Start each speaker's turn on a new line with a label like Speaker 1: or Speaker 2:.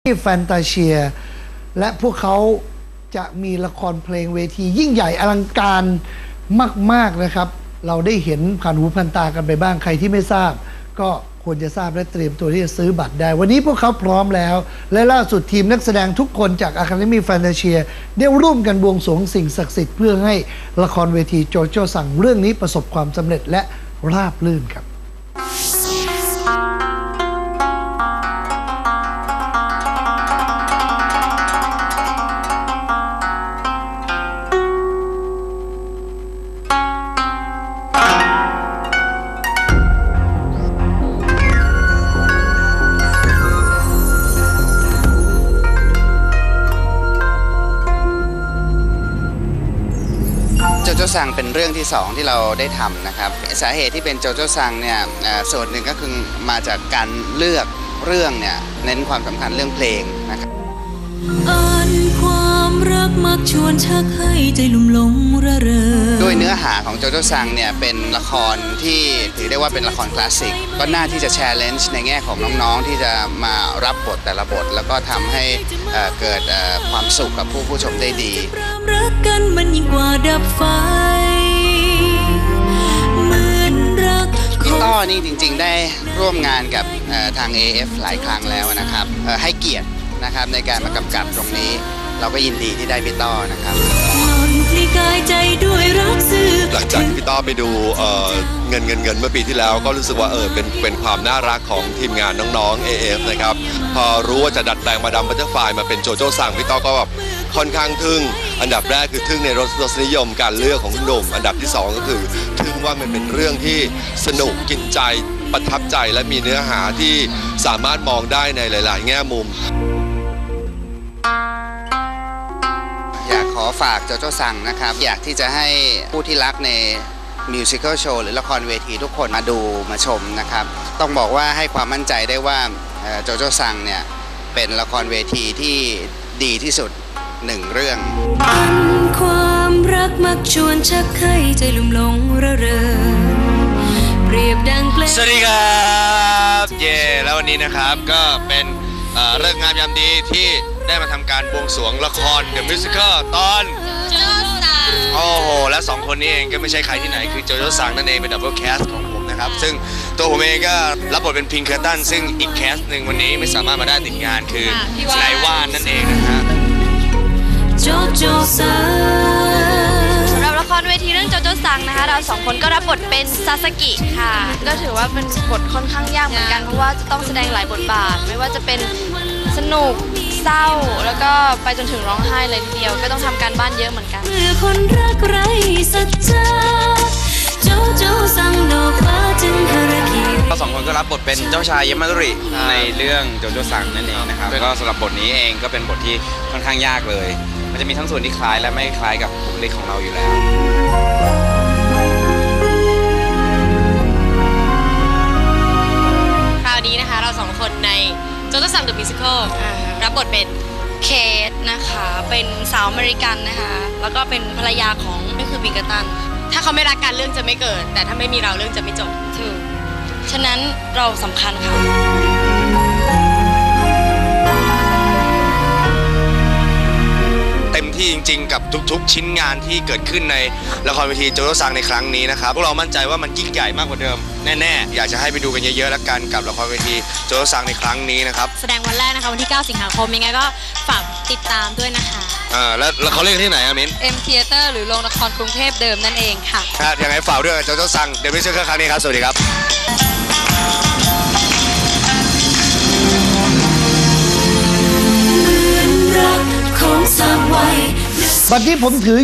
Speaker 1: ที่แฟนตาเชียและพวกเขาจะมีละครเพลงเวทียิ่งใหญ่อลังการมากๆนะครับเราได้เห็นผ่านหูผ่านตากันไปบ้างใครที่ไม่ทราบก็ควรจะทราบและเตรียมตัวที่จะซื้อบัตรได้วันนี้พวกเขาพร้อมแล้วและล่าสุดทีมนักแสดงทุกคนจาก Academy Fantasia ได้ร่วมกันบวงสรวงสิ่งศักดิ์สิทธิ์เพื่อให้ละครเวทีโจโจ้สั่งเรื่องนี้ประสบความสำเร็จและราบรื่นครับ
Speaker 2: โจโจ้ซังเป็นเรื่องที่2ที่เราได้ทำนะครับสาเหตุที่เป็นโจโจ้ซังเนี่ยส่วนหนึ่งก็คือมาจากการเลือกเรื่องเนี่ยเน้นความสำคัญเรื่องเพลงนะครับ
Speaker 3: ความรักมักชวนชักให้ใจลุ่มหลงระเริง
Speaker 2: ด้วยเนื้อหาของโจโจ้ซังเนี่ยเป็นละครที่ถือได้ว่าเป็นละครคลาสสิกก็น่าที่จะแชร์เลนจ์ในแง่ของน้องๆที่จะมารับบทแต่ละบทแล้วก็ทำให้เกิดความสุขกับผู้ชมได้ดี
Speaker 3: รักกันมันยิ่งกว่าดับไฟเหมือนรัก
Speaker 2: พี่ต้อนี่จริงๆได้ร่วมงานกับทาง AF หลายครั้งแล้วนะครับให้เกียรตินะครับในการมากำกับตรงนี้เราก็ยินดีที่ได้พี่ต้อนะครับ
Speaker 4: หลังจากที่พี่ต้อไปดูเงินเมื่อปีที่แล้วก็รู้สึกว่าเป็นความน่ารักของทีมงานน้องๆ AF นะครับพอรู้ว่าจะดัดแปลงมาดามบัตเตอร์ไฟมาเป็นโจโจ้ซังพี่ต้อก็แบบค่อนข้างทึ่งอันดับแรกคือทึ่งในรสนิยมการเลือกของคุณหนุ่มอันดับที่2ก็คือทึ่งว่ามันเป็นเรื่องที่สนุกกินใจประทับใจและมีเนื้อหาที่สามารถมองได้ในหลายๆแง่มุม
Speaker 2: อยากขอฝากโจโจ้ซังนะครับอยากที่จะให้ผู้ที่รักในมิวสิควลโชว์หรือละครเวทีทุกคนมาดูมาชมนะครับต้องบอกว่าให้ความมั่นใจได้ว่าโจโจ้ซังเนี่ยเป็นละครเวทีที่ดีที่สุด1เรื่อง
Speaker 3: ความรักมักชวนชักให้ใจลุ่มหลงระเริงเปรียบดังเพลง
Speaker 5: สวัสดีครับเย่แล้ววันนี้นะครับก็เป็นเลิกงามยามดีที่ได้มาทำการบวงสรวงละคร The Musical ตอน
Speaker 3: โจโจ้ซัง
Speaker 5: โอ้โหและ2คนนี้เองก็ไม่ใช่ใครที่ไหนคือโจโจ้ซังนั่นเองเป็นดับเบิลแคสของผมนะครับซึ่งตัวผมเองก็รับบทเป็นพิงเคอร์ตันซึ่งอีกแคสหนึ่งวันนี้ไม่สามารถมาได้ติดงานคือนายว่านนั่นเองนะครับ
Speaker 3: โจโจ้ซัง
Speaker 6: สำหรับละครเวทีเรื่องโจโจ้ซังนะคะเรา2คนก็รับบทเป็นซาสกิค่ะก็ถือว่าเป็นบทค่อนข้างยากเหมือนกันเพราะว่าจะต้องแสดงหลายบทบาทไม่ว่าจะเป็นสนุกเศร้าแล้วก็ไปจนถึงร้องไห้เลยทีเดียวก็ต้องทำการบ้านเยอะเหมือนกัน
Speaker 3: คนรักไร้สัจจะโจโจ้ซังดอกฟ้าจึงฮาราคิ
Speaker 5: เรา2คนก็รับบทเป็นเจ้าชายยามาตุริในเรื่องโจโจ้ซังนั่นเองนะครับก็สำหรับบทนี้เองก็เป็นบทที่ค่อนข้างยากเลยมันจะมีทั้งส่วนที่คล้ายและไม่คล้ายกับบุคลิกของเราอยู่แล้ว
Speaker 6: คราวนี้นะคะเรา2คนในโจโจ้ซัง The Musical รับบทเป็นเคทนะคะเป็นสาวอเมริกันนะคะแล้วก็เป็นภรรยาของนี่คือบิงเกอร์ตันถ้าเขาไม่รักกันเรื่องจะไม่เกิดแต่ถ้าไม่มีเราเรื่องจะไม่จบถูกฉะนั้นเราสำคัญค่ะ
Speaker 5: เต็มที่จริงๆกับทุกๆชิ้นงานที่เกิดขึ้นในละครเวทีโจโจ้ซังในครั้งนี้นะครับพวกเรามั่นใจว่ามันยิ่งใหญ่มากกว่าเดิมแน่ๆอยากจะให้ไปดูกันเยอะๆแล้วกันกับละครเวทีโจโจ้ซังในครั้งนี้นะครับ
Speaker 6: แสดงวันแรกนะคะวันที่9สิงหาคมยังไงก็ฝากติดตามด้วยนะคะ
Speaker 5: แล้วเขาเล่นที่ไหนอะมิ้น
Speaker 6: M Theater หรือโรงละครกรุงเทพเดิมนั่นเองค่ะ
Speaker 5: ยังไงฝากด้วยโจโจ้ซังเดี๋ยวไปเจอกันครั้งนี้ครับสวัสดีครับ
Speaker 1: บัดนี้ผมถือ